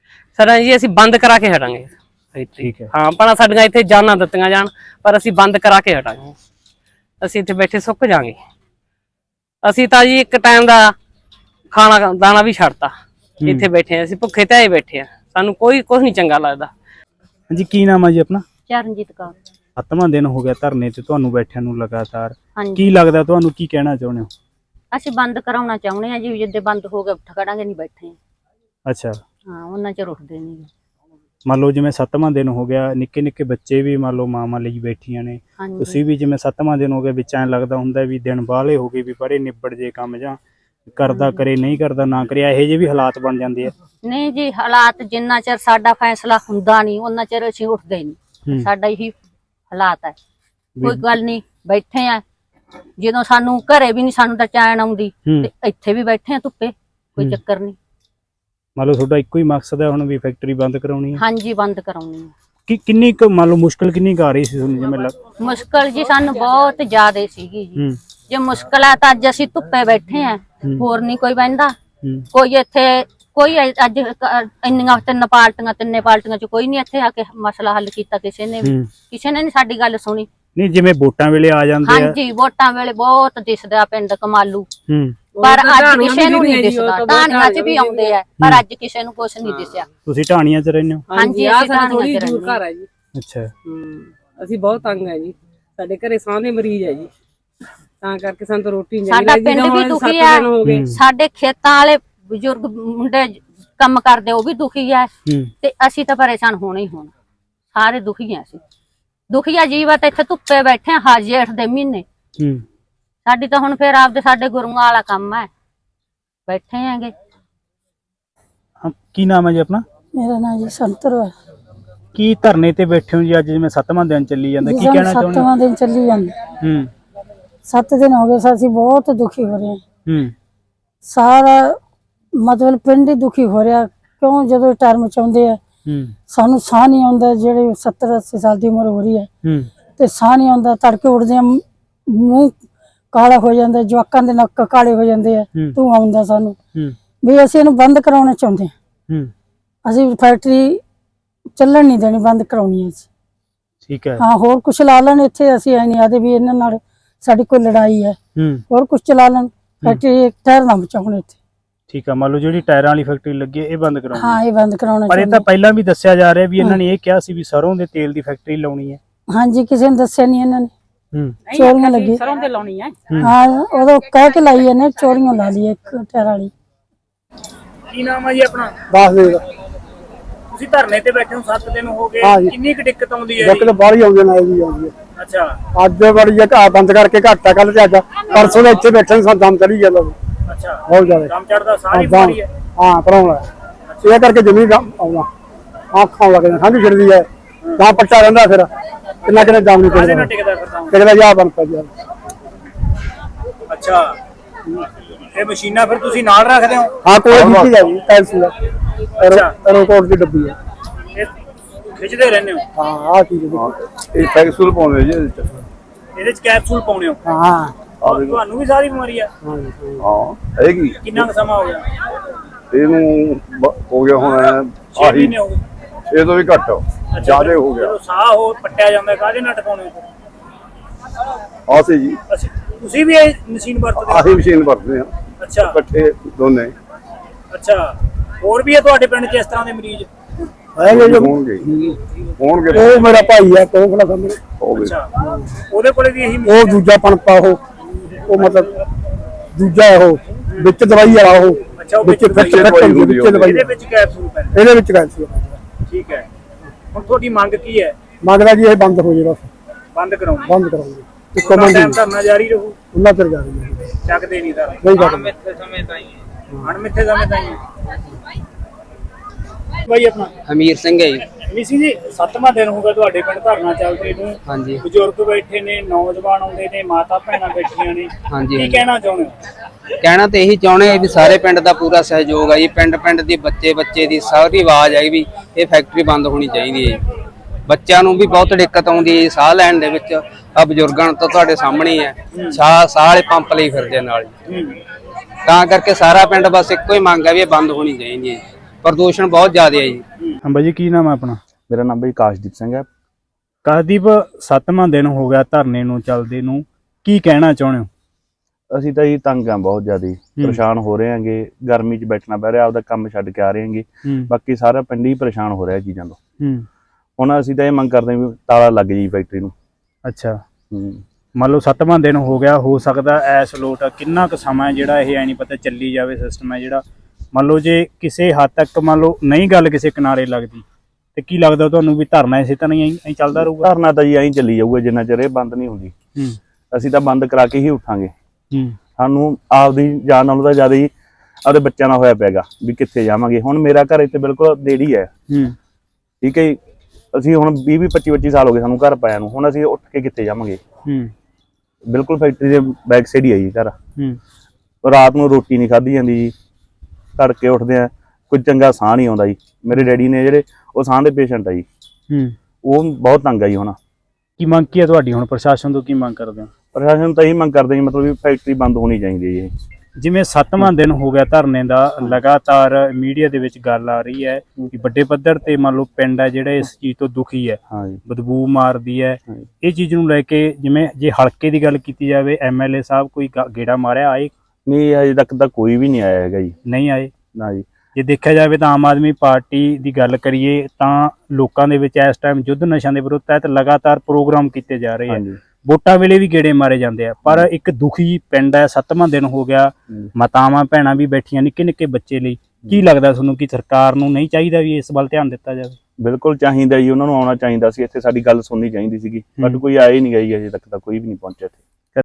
ਸਰ ਜੀ ਅਸੀਂ ਬੰਦ ਕਰਾ ਕੇ ਹਟਾਂਗੇ ਫੈਕਟਰੀ। ਠੀਕ ਹੈ। ਹਾਂ ਪਰ ਸਾਡੀਆਂ ਇੱਥੇ ਜਾਨਾਂ ਦਿੱਤੀਆਂ ਜਾਣ, ਪਰ ਅਸੀਂ ਬੰਦ ਕਰਾ ਕੇ ਹਟਾਂਗੇ। ਅਸੀਂ ਇੱਥੇ ਬੈਠੇ ਸੁੱਕ ਜਾਾਂਗੇ। ਅਸੀਂ ਤਾਂ ਜੀ ਇੱਕ ਟਾਈਮ ਦਾ ਖਾਣਾ ਦਾਣਾ ਵੀ ਛੱਡਤਾ, ਇੱਥੇ ਬੈਠੇ ਆ ਅਸੀਂ ਭੁੱਖੇ ਤੇ ਆਏ ਬੈਠੇ ਆ, ਸਾਨੂੰ ਕੋਈ ਕੁਝ ਨਹੀਂ ਚੰਗਾ ਲੱਗਦਾ। ਹਾਂਜੀ ਕੀ ਨਾਮ ਹੈ ਜੀ ਆਪਣਾ? ਚਰਨਜੀਤ ਕੌਰ। ਸੱਤਵਾਂ ਦਿਨ ਹੋ ਗਿਆ ਧਰਨੇ ਤੇ ਤੁਹਾਨੂੰ ਬੈਠਿਆਂ ਨੂੰ ਲਗਾਤਾਰ, ਹਾਂਜੀ ਕੀ ਲੱਗਦਾ ਤੁਹਾਨੂੰ, ਕੀ ਕਹਿਣਾ ਚਾਹੁੰਦੇ ਹੋ? ਅਸੀਂ ਬੰਦ ਕਰਾਉਣਾ ਚਾਹੁੰਦੇ ਆ ਜੀ, ਜਿੱਦੇ ਬੰਦ ਹੋ ਗਿਆ ਉੱਠ ਖੜਾਂਗੇ, ਨਹੀਂ ਬੈਠੇ। ਅੱਛਾ, ਹਾਂ ਉਹਨਾਂ ਚਿਰ ਉੱਠਦੇ ਨਹੀਂ। ਮੰਨ ਲਓ ਜਿਵੇਂ ਸੱਤਵਾਂ ਦਿਨ ਹੋ ਗਿਆ, ਨਿੱਕੇ ਨਿੱਕੇ ਬੱਚੇ ਵੀ ਮੰਨ ਲਓ ਮਾਵਾਂ ਲਈ ਬੈਠੀਆਂ ਨੇ, ਹਾਂਜੀ ਤੁਸੀਂ ਵੀ ਜਿਵੇਂ ਸੱਤਵਾਂ ਦਿਨ ਹੋ ਗਿਆ ਵਿੱਚ ਐਂ ਲੱਗਦਾ ਹੁੰਦਾ ਵੀ ਦਿਨ ਬਾਹਲੇ ਹੋ ਗਏ ਵੀ ਪਰੇ ਨਿਬੜ ਜੇ ਕੰਮ, ਜਾਂ ਕਰਦਾ ਕਰੇ ਨਹੀਂ ਕਰਦਾ ਨਾ ਕਰੇ, ਇਹੋ ਜਿਹੇ ਵੀ ਹਾਲਾਤ ਬਣ ਜਾਂਦੇ ਆ। ਨਹੀਂ ਜੀ, ਹਾਲਾਤ ਜਿੰਨਾ ਚਿਰ ਸਾਡਾ ਫੈਸਲਾ ਹੁੰਦਾ ਨਹੀਂ ਉਹਨਾਂ ਚਿਰ ਅਸੀਂ ਉੱਠਦੇ ਨਹੀਂ। ਸਾਡਾ ਇਹੀ ਹਾਲਾਤ ਹੈ। ਕੋਈ ਗੱਲ ਨਹੀਂ, ਬੈਠੇ ਆ। ਜਦੋਂ ਸਾਨੂੰ ਘਰੇ ਵੀ ਨਹੀਂ ਸਾਨੂੰ ਤਾਂ ਚੈਨ ਆਉਂਦੀ ਤੇ ਇੱਥੇ ਵੀ ਬੈਠੇ ਆ ਧੁੱਪੇ, ਕੋਈ ਚੱਕਰ ਨਹੀਂ। ਮੰਨ ਲਓ ਤੁਹਾਡਾ ਇੱਕੋ ਹੀ ਮਕਸਦ ਹੈ ਹੁਣ ਵੀ ਫੈਕਟਰੀ ਬੰਦ ਕਰਾਉਣੀ ਹੈ? ਹਾਂਜੀ ਬੰਦ ਕਰਾਉਣੀ ਹੈ। ਕਿ ਕਿੰਨੀ ਕੁ ਮੰਨ ਲਓ ਮੁਸ਼ਕਲ ਕਿੰਨੀ ਕੁ ਆ ਰਹੀ ਸੀ ਤੁਹਾਨੂੰ ਜਿਵੇਂ ਲੱਗ? ਮੁਸ਼ਕਲ ਜੀ ਸਾਨੂੰ ਬਹੁਤ ਜ਼ਿਆਦਾ ਸੀਗੀ ਜੀ। ਹੂੰ ਜੇ ਮੁਸ਼ਕਲ ਆ ਤਾਂ ਅੱਜ ਅਸੀਂ ਧੁੱਪੇ ਬੈਠੇ ਆ, ਹੋਰ ਨਹੀਂ ਕੋਈ ਬਹਿੰਦਾ। ਹੂੰ ਕੋਈ ਇੱਥੇ ਕੋਈ ਅੱਜ ਇੰਨੀਆਂ ਤਿੰਨ ਪਾਰਟੀਆਂ ਤਿੰਨੇ ਪਾਰਟੀਆਂ ਚ ਕੋਈ ਨਹੀਂ ਇੱਥੇ ਆ ਕੇ ਮਸਲਾ ਹੱਲ ਕੀਤਾ ਕਿਸੇ ਨੇ ਵੀ। ਕਿਸੇ ਨੇ ਨਹੀਂ ਸਾਡੀ ਗੱਲ ਸੁਣੀ। ਨਹੀਂ ਜਿਵੇਂ ਵੋਟਾਂ ਵੇਲੇ ਆ ਜਾਂਦੇ ਆ। ਹਾਂਜੀ ਵੋਟਾਂ ਵੇਲੇ ਬਹੁਤ ਦਿਸਦਾ ਪਿੰਡ ਕਮਾਲੂ, ਹੂੰ ਪਰ ਅੱਜ ਕਿਸੇ ਨੂੰ ਨਹੀਂ ਦਿਸਦਾ। ਢਾਣੀਆਂ ਚ ਵੀ ਆਉਂਦੇ ਆ ਪਰ ਅੱਜ ਕਿਸੇ ਨੂੰ ਕੁਝ ਨਹੀਂ ਦਿਸਿਆ। ਤੁਸੀਂ ਢਾਣੀਆਂ ਚ ਰਹਿੰਦੇ ਹੋ? ਹਾਂਜੀ ਅਸੀਂ ਢਾਣੀਆਂ ਚ ਰਹਿੰਦੇ ਘਰ ਹੈ ਜੀ। ਅੱਛਾ, ਹੂੰ ਅਸੀਂ ਬਹੁਤ ਤੰਗ ਹੈ ਜੀ, ਸਾਡੇ ਘਰੇ ਸਾਹ ਦੇ ਮਰੀਜ਼ ਹੈ ਜੀ, ਤਾਂ ਕਰਕੇ ਸਾਨੂੰ ਤਾਂ ਰੋਟੀ ਨਹੀਂ ਸਾਡਾ ਪਿੰਡ ਵੀ ਦੁਖੀ ਆ। ਸਾਡੇ ਖੇਤਾਂ ਵਾਲੇ ਬਜ਼ੁਰਗ ਮੁੰਡੇ ਕੰਮ ਕਰਦੇ ਉਹ ਵੀ ਦੁਖੀ ਆ ਤੇ ਅਸੀਂ ਤਾਂ ਪਰੇਸ਼ਾਨ ਹੋਣਾ ਹੀ ਹੋਣਾ। ਸਾਰੇ ਦੁਖੀ ਆ ਅਸੀਂ, ਦੁਖੀ ਆ ਜੀਵਤ। ਇੱਥੇ ਧੁੱਪੇ ਬੈਠੇ ਆ ਹਾਂ ਜੇਠ ਦੇ ਮਹੀਨੇ। ਸਾਡੀ ਤਾਂ ਹੁਣ ਫੇਰ ਆਪਦੇ ਸਾਡੇ ਗੁਰੂਆਂ ਵਾਲਾ ਕੰਮ ਹੈ, ਬੈਠੇ ਆਂਗੇ। ਕੀ ਨਾਮ ਹੈ ਜੀ ਆਪਣਾ? ਮੇਰਾ ਨਾਮ ਜੀ ਸੰਤਰ ਹੈ। ਕੀ ਧਰਨੇ ਤੇ ਬੈਠੇ ਹੋ ਜੀ ਅੱਜ, ਜਿਵੇਂ ਸੱਤਵਾਂ ਦਿਨ ਚੱਲੀ ਜਾਂਦਾ, ਕੀ ਕਹਿਣਾ ਚਾਹੁੰਦੇ ਹੋ? ਸੱਤਵਾਂ ਦਿਨ ਚੱਲੀ ਜਾਂਦਾ। ਹੂੰ ਸੱਤ ਦਿਨ ਹੋ ਗਏ, ਅਸੀਂ ਬਹੁਤ ਦੁਖੀ ਹੋ ਰਹੇ ਹਾਂ। ਹੂੰ ਸਾਰਾ ਮਤਲਬ ਪਿੰਡ ਹੀ ਦੁਖੀ ਹੋ ਰਿਹਾ। ਕਿਉਂ? ਜਦੋਂ ਟਰਮ ਚਾਹੁੰਦੇ ਆ ਹੂੰ ਸਾਨੂੰ ਸਾਹ ਨਹੀਂ ਆਉਂਦਾ। ਜਿਹੜੇ ਸੱਤਰ ਅੱਸੀ ਸਾਲ ਦੀ ਉਮਰ ਹੋ ਰਹੀ ਹੈ ਹੂੰ ਤੇ ਸਾਹ ਨਹੀਂ ਆਉਂਦਾ। ਤੜਕੇ ਉੱਠਦੇ ਆ ਮੂੰਹ ਕਾਲਾ ਹੋ ਜਾਂਦਾ, ਜਵਾਕਾਂ ਦੇ ਨੱਕ ਕਾਲੇ ਹੋ ਜਾਂਦੇ ਆ, ਧੂੰਆਂ ਆਉਂਦਾ ਸਾਨੂੰ। ਵੀ ਅਸੀਂ ਇਹਨੂੰ ਬੰਦ ਕਰਾਉਣਾ ਚਾਹੁੰਦੇ ਹਾਂ। ਅਸੀਂ ਫੈਕਟਰੀ ਚੱਲਣ ਨਹੀਂ ਦੇਣੀ, ਬੰਦ ਕਰਾਉਣੀ ਹੈ ਅਸੀਂ। ਠੀਕ ਹੈ। ਹਾਂ ਹੋਰ ਕੁਛ ਲਾ ਲੈਣ ਇੱਥੇ, ਅਸੀਂ ਐ ਨਹੀਂ ਆਦੇ ਵੀ ਇਹਨਾਂ ਨਾਲ ਸਾਡੀ ਕੋਈ ਲੜਾਈ ਹੈ। ਹੋਰ ਕੁਛ ਚਲਾ ਲੈਣ, ਫੈਕਟਰੀ ਟਾਇਰ ਨਾ ਬਚਾਉਣ ਇੱਥੇ। ਠੀਕ ਆ, ਮੰਨ ਲਓ ਜਿਹੜੀ ਟਾਇਰਾਂ ਵਾਲੀ ਫੈਕਟਰੀ ਲੱਗੀ ਹੈ ਇਹ ਬੰਦ ਕਰਾਉਣੀ? ਹਾਂ ਇਹ ਬੰਦ ਕਰਾਉਣਾ। ਪਰ ਇਹ ਤਾਂ ਪਹਿਲਾਂ ਵੀ ਦੱਸਿਆ ਜਾ ਰਿਹਾ ਵੀ ਇਹਨਾਂ ਨੇ ਇਹ ਕਿਹਾ ਸੀ ਵੀ ਸਰੋਂ ਦੇ ਤੇਲ ਦੀ ਫੈਕਟਰੀ ਲਾਉਣੀ ਹੈ। ਹਾਂਜੀ ਕਿਸੇ ਨੇ ਦੱਸਿਆ ਨਹੀਂ ਇਹਨਾਂ ਨੇ। ਹੂੰ ਚੋਰੀਆਂ ਲੱਗੀ ਸਰੋਂ ਤੇ ਲਾਉਣੀ ਹੈ। ਹਾਂ ਉਦੋਂ ਕਹਿ ਕੇ ਲਾਈ ਇਹਨੇ, ਚੋਰੀਆਂ ਲਾ ਲਈ ਇੱਕ ਟਾਇਰ ਵਾਲੀ। ਕੀ ਨਾਮ ਹੈ ਜੀ ਆਪਣਾ? ਦੱਸ ਦੇ। ਤੁਸੀਂ ਧਰਨੇ ਤੇ ਬੈਠੇ ਹੋ ਸੱਤ ਦਿਨ ਹੋ ਗਏ, ਕਿੰਨੀ ਕੁ ਦਿੱਕਤ ਆਉਂਦੀ ਹੈ ਜੀ? ਦਿੱਕਤ ਬਾਹਲੀ ਆਉਂਦੀ ਨਾ ਜੀ ਆਉਂਦੀ ਹੈ। ਅੱਛਾ ਅੱਜ ਬੜੀ ਘਰ ਬੰਦ ਕਰਕੇ ਘਾਟਾ, ਕੱਲ ਤੇ ਅੱਜ ਪਰਸੋਂ ਦਾ ਇੱਥੇ ਬੈਠੇ ਸਾਨੂੰ ਦਮ ਚੜੀ ਜਾਂਦਾ। ਅੱਛਾ ਬਹੁਤ ਜ਼ਿਆਦਾ ਦਮ ਚੜਦਾ, ਸਾਰੀ ਬਿਮਾਰੀ ਹੈ। ਹਾਂ ਭਰਾਉਣਾ ਇਹ ਕਰਕੇ ਜ਼ਮੀਨ ਆਉਣਾ ਆਖ ਖਾਣ ਲੱਗ ਜਾਂਦਾ, ਠੰਡ ਛਿੜਦੀ ਹੈ ਤਾਂ ਪੱਟਾ ਰਹਿੰਦਾ। ਫਿਰ ਕਿੰਨਾ ਕਿੰਨਾ ਦਮ ਨਹੀਂ ਕਾਹਦੇ ਪੈਂਦਾ, ਨਾਲ ਟਿਕਦਾ ਫਿਰ ਤਾਂ? ਕਿਹੜਾ ਜਾ ਬਣ ਪਾ ਜੀ। ਅੱਛਾ ਇਹ ਮਸ਼ੀਨਾਂ ਫਿਰ ਤੁਸੀਂ ਨਾਲ ਰੱਖਦੇ ਹੋ? ਹਾਂ ਕੋਈ ਦਿੱਤੀ ਜਾਈ ਟਾਈਲਸ ਦਾ ਰੋਕੋਟ ਦੀ ਡੱਬੀ ਹੈ, ਇਹ ਖਿੱਚਦੇ ਰਹਿੰਦੇ ਹੋ? ਹਾਂ ਆ ਚੀਜ਼ ਇਹ ਕੈਪਸੂਲ ਪਾਉਂਦੇ ਜੀ ਇਹਦੇ ਚ। ਇਹਦੇ ਚ ਕੈਪਸੂਲ ਪਾਉਣੇ ਹੋ? ਹਾਂ ਤੁਹਾਨੂੰ ਵੀ ਸਾਰੀ ਬਿਮਾਰੀ ਆ? ਹਾਂ ਹੈਗੀ। ਕਿੰਨਾ ਕੁ ਸਮਾਂ ਹੋ ਗਿਆ ਇਹਨੂੰ? ਬ- ਹੋ ਗਿਆ ਹੁਣ ਛੇ ਆਹੀ ਮਹੀਨੇ ਹੋ ਗਏ। ਇਹ ਤੋਂ ਵੀ ਘੱਟ ਜ਼ਿਆਦਾ ਹੋ ਗਿਆ। ਜਦੋਂ ਸਾਹ ਹੋ ਪੱਟਿਆ ਜਾਂਦਾ ਕਾਹਦੇ ਨਾਲ ਟਿਕਾਉਣੇ ਹੋ? ਆਸੇ ਜੀ ਅਸੀਂ ਤੁਸੀਂ ਵੀ ਇਹ ਮਸ਼ੀਨ ਵਰਤਦੇ ਹੋ? ਆਹੀ ਮਸ਼ੀਨ ਵਰਤਦੇ ਆ ਅੱਛਾ ਇਕੱਠੇ ਦੋਨੇ। ਅੱਛਾ ਹੋਰ ਵੀ ਹੈ ਤੁਹਾਡੇ ਪਿੰਡ 'ਚ ਇਸ ਤਰ੍ਹਾਂ ਦੇ ਮਰੀਜ਼? ਹੈਗੇ ਹੋਣਗੇ ਹੋਣਗੇ ਉਹ ਮੇਰਾ ਭਾਈ ਹੈ ਕੋਖਲਾ ਸਾਹਮਣੇ, ਹੋਵੇ। ਅੱਛਾ ਉਹਦੇ ਕੋਲੇ ਵੀ ਇਹੀ ਉਹ ਮਸ਼ੀਨ ਹੈ? ਦੂਜਾ ਪਣਪਾ ਉਹ ਉਹ ਮਤਲਬ ਦੂਜਾ ਉਹ ਵਿੱਚ ਦਵਾਈ ਵਾਲਾ ਉਹ ਅੱਛਾ ਉਹ ਵਿੱਚ ਵਿੱਚ ਫਿੱਟ ਫਿੱਟ ਹੁੰਦੀ ਵਿੱਚ ਦਵਾਈ ਇਹਦੇ ਵਿੱਚ ਕੈਪਸੂਲ ਪੈਂਦੇ? ਇਹਦੇ ਵਿੱਚ ਗੱਲ ਸੀ। ਠੀਕ ਹੈ, ਹੁਣ ਤੁਹਾਡੀ ਮੰਗ ਕੀ ਹੈ? ਮੰਗਦਾ ਜੀ ਇਹ ਬੰਦ ਹੋ ਜੇ, ਬਸ ਬੰਦ ਕਰਾਉਣੀ? ਬੰਦ ਕਰਾਉਂਗੇ। ਇੱਕ ਉਹਨਾਂ ਮਿੰਟ ਟਾਈਮ ਧਰਨਾ ਜਾਰੀ ਰਹੂ? ਉਹਨਾਂ ਚਿਰ ਜਾ ਰਹੀ ਹੈ, ਚੱਕਦੇ ਨਹੀਂ ਧਰਨਾ? ਨਹੀਂ ਕਰਦੇ। ਅਣਮਿੱਥੇ ਸਮੇਂ ਤਾਈਂ। ਭਾਈ ਆਪਣਾ? ਹਮੀਰ ਸਿੰਘ ਹੈ ਜੀ। ਮਿਸੀ ਜੀ ਸੱਤਵਾਂ ਦਿਨ ਹੋ ਗਿਆ ਤੁਹਾਡੇ ਪਿੰਡ ਧਰਨਾ ਚੱਲਦੇ ਨੂੰ। ਹਾਂਜੀ ਬਜ਼ੁਰਗ ਬੈਠੇ ਨੇ, ਨੌਜਵਾਨ ਆਉਂਦੇ ਨੇ, ਮਾਤਾ ਭੈਣਾਂ ਬੈਠੀਆਂ ਨੇ, ਹਾਂਜੀ ਕੀ ਕਹਿਣਾ ਚਾਹੁੰਦੇ ਹੋ? ਕਹਿਣਾ ਤੇ ਇਹੀ ਚਾਹੁੰਦੇ ਆ ਵੀ ਸਾਰੇ ਪਿੰਡ ਦਾ ਪੂਰਾ ਸਹਿਯੋਗ ਹੈ ਜੀ। ਪਿੰਡ ਪਿੰਡ ਦੀ ਬੱਚੇ ਬੱਚੇ ਦੀ ਸਾਰੀ ਆਵਾਜ਼ ਹੈ ਵੀ ਇਹ ਫੈਕਟਰੀ ਬੰਦ ਹੋਣੀ ਚਾਹੀਦੀ ਹੈ ਜੀ। ਬੱਚਿਆਂ ਨੂੰ ਵੀ ਬਹੁਤ ਦਿੱਕਤ ਆਉਂਦੀ ਹੈ ਸਾਹ ਲੈਣ ਦੇ ਵਿੱਚ। ਆ ਬਜ਼ੁਰਗਾਂ ਤੋਂ ਤੁਹਾਡੇ ਸਾਹਮਣੇ ਹੀ ਹੈ, ਸਾਹ ਸਾਹ ਵਾਲੇ ਪੰਪ ਲਈ ਫਿਰਦੇ ਨਾਲ ਜੀ। ਤਾਂ ਕਰਕੇ ਸਾਰਾ ਪਿੰਡ ਬਸ ਇੱਕੋ ਹੀ ਮੰਗ ਹੈ ਵੀ ਇਹ ਬੰਦ ਹੋਣੀ ਚਾਹੀਦੀ ਹੈ। ਪ੍ਰਦੂਸ਼ਣ ਬਹੁਤ ਜ਼ਿਆਦਾ ਹੈ ਜੀ। ਹਾਂ ਬਾਈ ਜੀ, ਕੀ ਨਾਮ ਹੈ ਆਪਣਾ? ਮੇਰਾ ਨਾਮ ਬਈ ਕਾਸ਼ਦੀਪ ਸਿੰਘ ਹੈ। ਕਾਸ਼ਦੀਪ, ਸੱਤਵਾਂ ਦਿਨ ਹੋ ਗਿਆ ਧਰਨੇ ਨੂੰ ਚੱਲਦੇ ਨੂੰ, ਕੀ ਕਹਿਣਾ ਚਾਹੁੰਦੇ ਹੋ? ਅਸੀਂ ਤਾਂ ਜੀ ਤੰਗ ਆ ਬਹੁਤ ਜ਼ਿਆਦਾ, ਪਰੇਸ਼ਾਨ ਹੋ ਰਹੇ ਆਂਗੇ, ਗਰਮੀ 'ਚ ਬੈਠਣਾ ਪੈ ਰਿਹਾ, ਆਪਦਾ ਕੰਮ ਛੱਡ ਕੇ ਆ ਰਹੇ ਆਂਗੇ। ਬਾਕੀ ਸਾਰਾ ਪਿੰਡ ਹੀ ਪਰੇਸ਼ਾਨ ਹੋ ਰਿਹਾ ਚੀਜ਼ਾਂ ਤੋਂ। ਹੁਣ ਅਸੀਂ ਤਾਂ ਇਹ ਮੰਗ ਕਰਦੇ ਹਾਂ ਵੀ ਤਾਲਾ ਲੱਗ ਜੀ ਫੈਕਟਰੀ ਨੂੰ। ਅੱਛਾ, ਮੰਨ ਲਓ ਸੱਤਵਾਂ ਦਿਨ ਹੋ ਗਿਆ, ਹੋ ਸਕਦਾ ਐਸ ਲੋਟ ਕਿੰਨਾ ਕੁ ਸਮਾਂ ਜਿਹੜਾ ਇਹ ਐ ਨਹੀਂ ਪਤਾ ਚੱਲੀ ਜਾਵੇ ਸਿਸਟਮ ਹੈ ਜਿਹੜਾ। ਮੰਨ ਲਓ ਜੇ ਕਿਸੇ ਹੱਦ ਤੱਕ ਮੰਨ ਲਓ ਨਹੀਂ ਗੱਲ ਕਿਸੇ ਕਿਨਾਰੇ ਲੱਗਦੀ ਤੇ ਕੀ ਲੱਗਦਾ ਤੁਹਾਨੂੰ ਵੀ ਧਰਨਾ ਇਸੇ ਤਰ੍ਹਾਂ ਹੀ ਐਂ ਚੱਲਦਾ ਰਹੂਗਾ? ਧਰਨਾ ਤਾਂ ਜੀ ਐਂ ਚੱਲੀ ਜਾਊਗਾ ਜਿੰਨਾ ਚਿਰ ਇਹ ਬੰਦ ਨਹੀਂ ਹੁੰਦੀ। ਅਸੀਂ ਤਾਂ ਬੰਦ ਕਰਾ ਕੇ ਹੀ ਉੱਠਾਂਗੇ। ਸਾਨੂੰ ਆਪਦੀ ਜਾਨ ਨਾਲੋਂ ਤਾਂ ਜ਼ਿਆਦਾ ਹੀ ਆਪਦੇ ਬੱਚਿਆਂ ਨਾਲ ਹੋਇਆ ਪਿਆਗਾ ਵੀ ਕਿੱਥੇ ਜਾਵਾਂਗੇ। ਹੁਣ ਮੇਰਾ ਘਰ ਇੱਥੇ ਬਿਲਕੁਲ ਨੇੜੇ ਹੈ, ਠੀਕ ਹੈ ਜੀ। ਅਸੀਂ ਹੁਣ ਵੀਹ ਵੀਹ ਪੱਚੀ ਪੱਚੀ ਸਾਲ ਹੋ ਗਏ ਸਾਨੂੰ ਘਰ ਪਾਇਆ ਨੂੰ, ਹੁਣ ਅਸੀਂ ਉੱਠ ਕੇ ਕਿੱਥੇ ਜਾਵਾਂਗੇ? ਬਿਲਕੁਲ ਫੈਕਟਰੀ ਦੇ ਬੈਕ ਸਾਈਡ ਹੀ ਹੈ ਜੀ ਘਰ। ਰਾਤ ਨੂੰ ਰੋਟੀ ਨਹੀਂ ਖਾਧੀ ਜਾਂਦੀ ਜੀ, ਤੜਕੇ ਉੱਠਦੇ ਆ ਕੋਈ ਚੰਗਾ ਸਾਹ ਨਹੀਂ ਆਉਂਦਾ ਜੀ। ਮੇਰੇ ਡੈਡੀ ਨੇ ਜਿਹੜੇ ਉਹ ਸਾਹ ਦੇ ਪੇਸ਼ੈਂਟ ਆ ਜੀ, ਉਹ ਬਹੁਤ ਤੰਗ ਆ ਜੀ। ਹੁਣ ਕੀ ਮੰਗ ਕੀ ਹੈ ਤੁਹਾਡੀ? ਹੁਣ ਪ੍ਰਸ਼ਾਸਨ ਤੋਂ ਕੀ ਮੰਗ ਕਰਦੇ ਹੋ? ਪ੍ਰਸ਼ਾਸਨ ਤਾਂ ਇਹੀ ਮੰਗ ਕਰਦੇ ਜੀ, ਮਤਲਬ ਵੀ ਫੈਕਟਰੀ ਬੰਦ ਹੋਣੀ ਚਾਹੀਦੀ ਹੈ। ਜਿਵੇਂ ਸੱਤਵਾਂ ਦਿਨ ਹੋ ਗਿਆ ਧਰਨੇ ਦਾ, ਲਗਾਤਾਰ ਮੀਡੀਆ ਦੇ ਵਿੱਚ ਗੱਲ ਆ ਰਹੀ ਹੈ ਕਿ ਵੱਡੇ ਪੱਧਰ ਤੇ ਮੰਨ ਲਓ ਪਿੰਡ ਹੈ ਜਿਹੜਾ ਇਸ ਚੀਜ਼ ਤੋਂ ਦੁਖੀ ਹੈ, ਬਦਬੂ ਮਾਰਦੀ ਹੈ। ਇਹ ਚੀਜ਼ ਨੂੰ ਲੈ ਕੇ ਜਿਵੇਂ ਜੇ ਹਲਕੇ ਦੀ ਗੱਲ ਕੀਤੀ ਜਾਵੇ, ਐਮਐਲਏ ਸਾਹਿਬ ਕੋਈ ਗੇੜਾ ਮਾਰਿਆ ਆਏ? ਨਹੀਂ, ਅਜੇ ਤੱਕ ਤਾਂ ਕੋਈ ਵੀ ਨਹੀਂ ਆਇਆ ਹੈਗਾ ਜੀ। ਨਹੀਂ ਆਏ ਨਾ ਜੀ। ਜੇ ਦੇਖਿਆ ਜਾਵੇ ਤਾਂ ਆਮ ਆਦਮੀ ਪਾਰਟੀ ਦੀ ਗੱਲ ਕਰੀਏ ਤਾਂ ਲੋਕਾਂ ਦੇ ਵਿੱਚ ਇਸ ਟਾਈਮ ਯੁੱਧ ਨਸ਼ਿਆਂ ਦੇ ਵਿਰੁੱਧ ਤਹਿਤ ਲਗਾਤਾਰ ਪ੍ਰੋਗਰਾਮ ਕੀਤੇ ਜਾ ਰਹੇ ਆ। ਵੋਟਾਂ ਵੇਲੇ ਵੀ ਗੇੜੇ ਮਾਰੇ ਜਾਂਦੇ ਆ, ਪਰ ਇੱਕ ਦੁਖੀ ਪਿੰਡ ਹੈ। ਸੱਤਵਾਂ ਦਿਨ ਹੋ ਗਿਆ, ਮਾਤਾਵਾਂ ਭੈਣਾਂ ਵੀ ਬੈਠੀਆਂ, ਨਿੱਕੇ ਨਿੱਕੇ ਬੱਚੇ ਲਈ। ਕੀ ਲੱਗਦਾ ਤੁਹਾਨੂੰ ਕਿ ਸਰਕਾਰ ਨੂੰ ਨਹੀਂ ਚਾਹੀਦਾ ਵੀ ਇਸ ਵੱਲ ਧਿਆਨ ਦਿੱਤਾ ਜਾਵੇ? ਬਿਲਕੁਲ ਚਾਹੀਦਾ ਜੀ, ਉਹਨਾਂ ਨੂੰ ਆਉਣਾ ਚਾਹੀਦਾ ਸੀ ਇੱਥੇ, ਸਾਡੀ ਗੱਲ ਸੁਣਨੀ ਚਾਹੀਦੀ ਸੀਗੀ, ਬਟ ਕੋਈ ਆਇਆ ਹੀ ਨਹੀਂ ਗਈ ਅਜੇ ਤੱਕ ਤਾਂ ਕੋਈ ਵੀ ਨਹੀਂ ਪਹੁੰਚਿਆ ਇੱਥੇ।